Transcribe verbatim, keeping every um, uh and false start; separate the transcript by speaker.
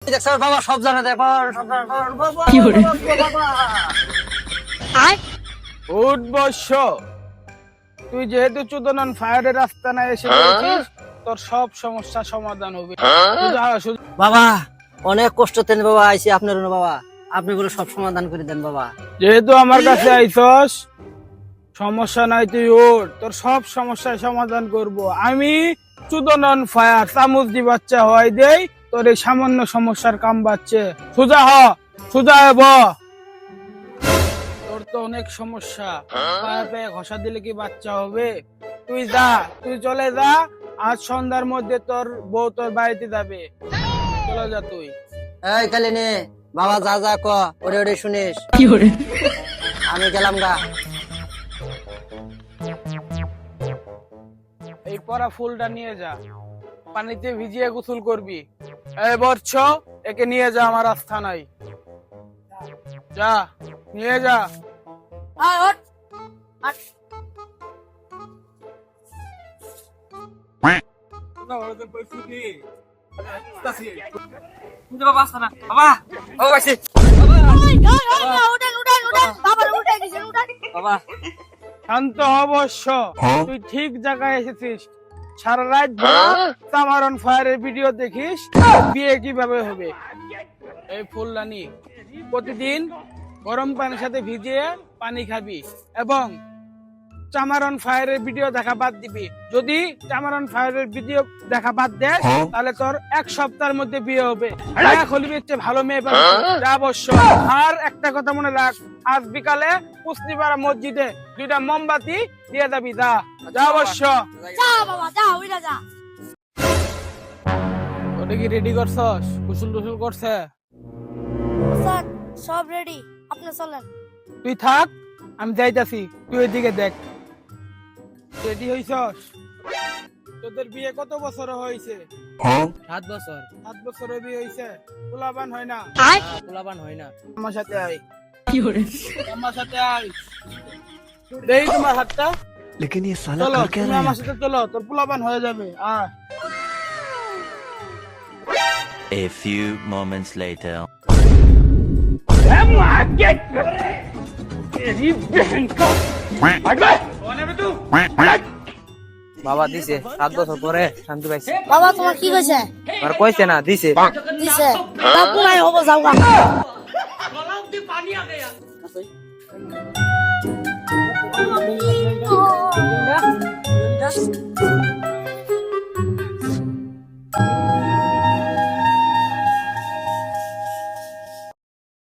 Speaker 1: দেখছ বাবা সব জানে দেখ সব জানে বাবা
Speaker 2: কি করে
Speaker 3: উঠ বর্ষ তুই যেহেতু চুদনন ফায়ারের রাস্তা না এসে পড়েছিস তোর সব সমস্যা সমাধান হবে। সোজা হ, সোজা।
Speaker 1: বাবা অনেক কষ্ট তেন বাবা আইছি আপনার জন্য বাবা আপনি বলে সব সমাধান করে দেন বাবা।
Speaker 3: যেহেতু আমার কাছে আইছস সমস্যা নাই, তুই ওঠ, তোর সব সমস্যার সমাধান করব আমি। চুদনন ফায়ার চামুচদি বাচ্চা হয় দেই তোর এই সামান্য সমস্যার কাম বাচ্ছে। সোজা হ, সোজা হব। তোর তো অনেক সমস্যা, পায়ে পায়ে ঘষা দিলে কি বাচ্চা হবে? তুই যা, তুই চলে যা, আজ সন্ধ্যার মধ্যে তোর বউ তোর বাড়িতে যাবে। চলে যা তুই।
Speaker 1: এই কালে নে বাবা যা যা ক ওরে ওরে শুনিস
Speaker 2: কি করে
Speaker 1: আমি গেলাম গা।
Speaker 3: এই পরা ফুলটা নিয়ে যা, পানিতে ভিজিয়ে গোসল করবি। এই বর্ষ একে নিয়ে যা আমার আস্থানায়, যা নিয়ে যা।
Speaker 1: বাবা আসা না বাবা ও আইছি বাবা
Speaker 3: শান্ত হ বর্ষ, তুই ঠিক জায়গায় এসেছিস। সারা রাত সামার অন ফায়ারের ভিডিও দেখিস বিয়ে কিভাবে হবে। এই ফুলদানি প্রতিদিন গরম পানির সাথে ভিজিয়ে পানি খাবি এবং চামারন ফায়ারের ভিডিও দেখা বাদ দিবি। যদি চামারন ফায়ারের ভিডিও দেখা বাদ দেয় তাহলে তোর এক সপ্তাহের মধ্যে বিয়ে হবে। খলিবি হচ্ছে ভালো মেয়ে পাবি, যা অবশ্য। আর একটা কথা মনে রাখ, আজ বিকালে পুষ্টিপাড়া মসজিদে দুইটা মোমবাতি দিয়ে যাবি, যা যা অবশ্য। ওটা কি রেডি করছস? কুসুল টুসুল করছে?
Speaker 4: স্যার সব রেডি, আপনি চলেন।
Speaker 3: তুই থাক, আমি যাইতাছি, তুই ওইদিকে দেখ। রেডি হইছস? তোদের বিয়ে কত বছর হয়েছে?
Speaker 1: সাত বছর
Speaker 3: সাত বছর বিয়ে হয়েছে, পোলাবান হয় না?
Speaker 1: পোলাপান হয় না।
Speaker 3: আমার সাথে আয়,
Speaker 2: কি করে
Speaker 3: আমার সাথে আয়, দেই তোমার হাতটা।
Speaker 5: लेकिन ये साला
Speaker 3: চলো
Speaker 5: कर क्या
Speaker 3: তুমি
Speaker 5: रहा
Speaker 3: আমার
Speaker 5: है?
Speaker 3: সাথে চলো, তোর পোলাবান হয়ে যাবে। আয়।
Speaker 6: A few moments later.
Speaker 1: বাবা দিছে সাত বছর পরে শান্তি পাইছে।
Speaker 4: বাবা তোমার কি কইছে?
Speaker 1: আর কইছে না দিছে
Speaker 4: দিছে বাপু নাই হবো যাওগা।
Speaker 1: পানি